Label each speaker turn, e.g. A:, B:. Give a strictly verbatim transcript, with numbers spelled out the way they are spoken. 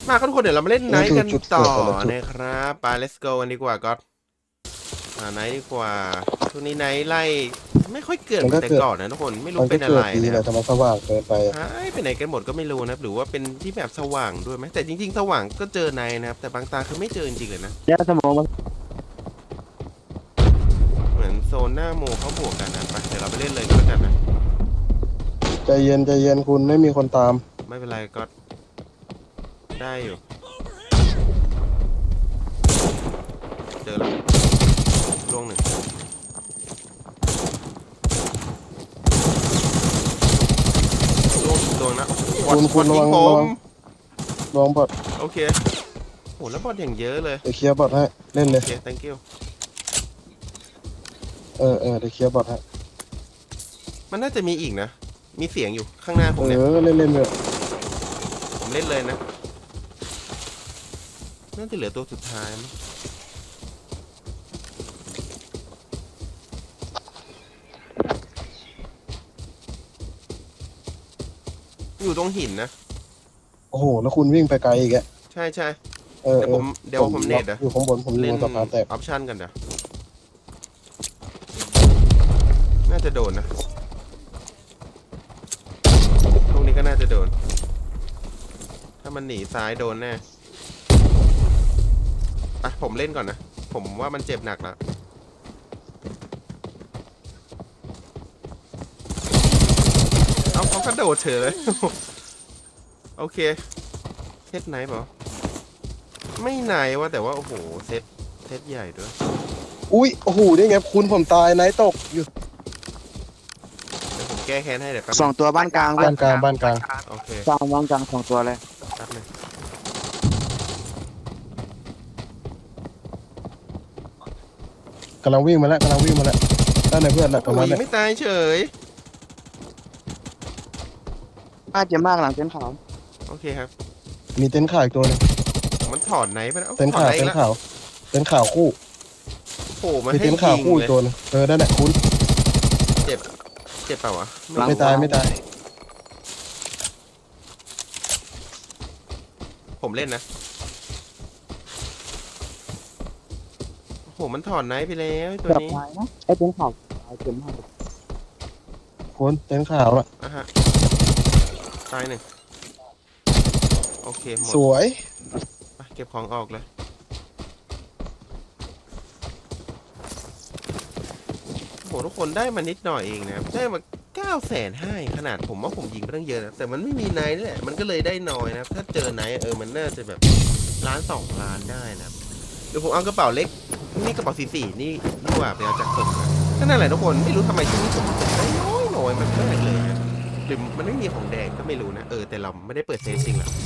A: มาครับทุกคนเดี๋ยวเรามาเล่นไนท์กัน
B: นี่คือจุด
A: ต่อ
B: เกิดแต่ละจุด
A: นะครับไป let's go กันดีกว่าก็อ่าไนท์ดีกว่าช่วงนี้ไนท์ไล่ไม่ค่อยเกิดเหมือนแต่ก่อนนะทุกคนไม่รู้
B: มันก็
A: เป็นอะ
B: เกิ
A: ไร
B: ดดี
A: นะค
B: แห
A: รั
B: ละ
A: บ
B: แต่มันสว่างเกินไป
A: หายไปไหนกันหมดก็ไม่รู้นะหรือว่าเป็นที่แบบสว่างด้วยไหมแต่จริงๆสว่างก็เจอไนท์นะครับแต่บางตาคือไม่เจอจริงๆเลยนะ
C: ยาสมองมัน
A: เหมือนโซนหน้าโมเขาบวกกันนะไปเดี๋ยวเราไปเล่นเลยก็แล้วกันนะ
B: ใจเย็นใจเย็นคุณไม่มีคนตาม
A: ไม่เป็นไรก็ได้อยู่เจอแล้วลวงหนึ่งลวงลวงนะบอ
B: คุณ
A: ด
B: คุณ
A: บอด
B: ระ
A: ยิ
B: วั
A: ง
B: ง
A: ผ
B: ระวั
A: ม
B: งลองบอด
A: โอเคโหแล้วบอดอย่างเยอะเลย
B: เดี๋ยวเคลียร์บอดให้เล่นเล
A: โอย เค thank you
B: เออเออเดี๋ยวเคลียร์บอดให้
A: มันน่าจะมีอีกนะ มีเสียงอยู่ข้างหน้าผม
B: เอ
A: เนี่ย
B: อเล่นเล่นเลย
A: ผมเล่นเลยนะน่าจะเหลือตัวสุดท้ายมั้งอยู่ตรงหินนะ
B: โอ้โหแล้วคุณวิ่งไปไกลอีกอะ
A: ใช่ใช่
B: เออ
A: เดี๋ยวผมเดี๋ยวผมเน็ตอะ
B: อยู่ข้างบนผมอยู่
A: เล่น
B: บนสะพานแตก
A: ออปชั่นกันเดี๋ยวน่าจะโดนนะตรงนี้ก็น่าจะโดน ถ้ามันหนีซ้ายโดนแน่ไปผมเล่นก่อนนะ ผมว่ามันเจ็บหนักแล้วเอาเขากระโดดเฉยเลย โอเคเซตไหนเปล่าไม่ไหนว่าแต่ว่าโอ้โหเซตเซตใหญ่ด้วย
B: อุ้ยโอ้โหได้ไงคุณผมตายไนท์ตกอยู่
A: เดี๋ยวผมแก้แค้นให้เดี๋ยวแป๊บ
C: สองตัวบ้านกลาง
B: บ้านกลางบ้านกลาง
A: โอเค
C: กลางบ้านกลางสองตัวเลย
A: แป๊บนึง
B: กำลังวิ่งมาแล้วกำลังวิ่งมาแล้วด้านในเพื่อนแหละประ
A: โอ้
B: มาณ
A: ย
B: นั้น
A: ไม่ตายเฉย
C: บ้านเจ็บมากหลังเต็นท์ขาว
A: โอเคครับ
B: มีเต็นท์ขาวอีกตัวหนึง
A: มันถอดไหนไปแล้ว
B: เต็นท์
A: ถอด
B: ขาว
A: ไหน
B: เต็น
A: แล้ว
B: ท์ขาวเต็นท์ขาวคู่
A: โอ้โหมัน
B: มี
A: ให้
B: เต็นท์ขาว
A: ยิง
B: คู่
A: เล
B: อี
A: ย
B: กตัวหนึงเออนั่นแหละคุณ
A: เจ็บเจ็บเปล่าวะ
B: ไม่ตายไม่ตาย
A: ผมเล่นนะโอ้โหมันถอดไหนไปแล้วไอ้ตัว
C: เกือบ
A: นี้
C: ตายนะไอ้เต็นท์ขาวตายเจ็บมาก
B: คุณเต็นท์ขาวอะ
A: อ่ะฮะตายหนึ่งโอเคหมด
B: สวย
A: ไปเก็บของออกเลยโอ้โหทุกคนได้มานิดหน่อยเองนะครับได้มาเก้าแสนห้าขนาดผมว่าผมยิงไปตั้งเยอะนะแต่มันไม่มีไนท์นี่แหละมันก็เลยได้น้อยนะครับถ้าเจอไนท์เออมันน่าจะแบบล้านสองล้านได้นะครับเดี๋ยวผมเอากระเป๋าเล็กนี่กระเป๋าสีสีนี่ดีกว่าไปเอาจากศพมาก็นั่นแหละทุกคนไม่รู้ทำไมช่วงนี้ผมได้น้อยน้อยมันมากเลยนะหรือมันไม่มีของแดงก็ไม่รู้นะเออแต่เราไม่ได้เปิดเซฟจริงหรอ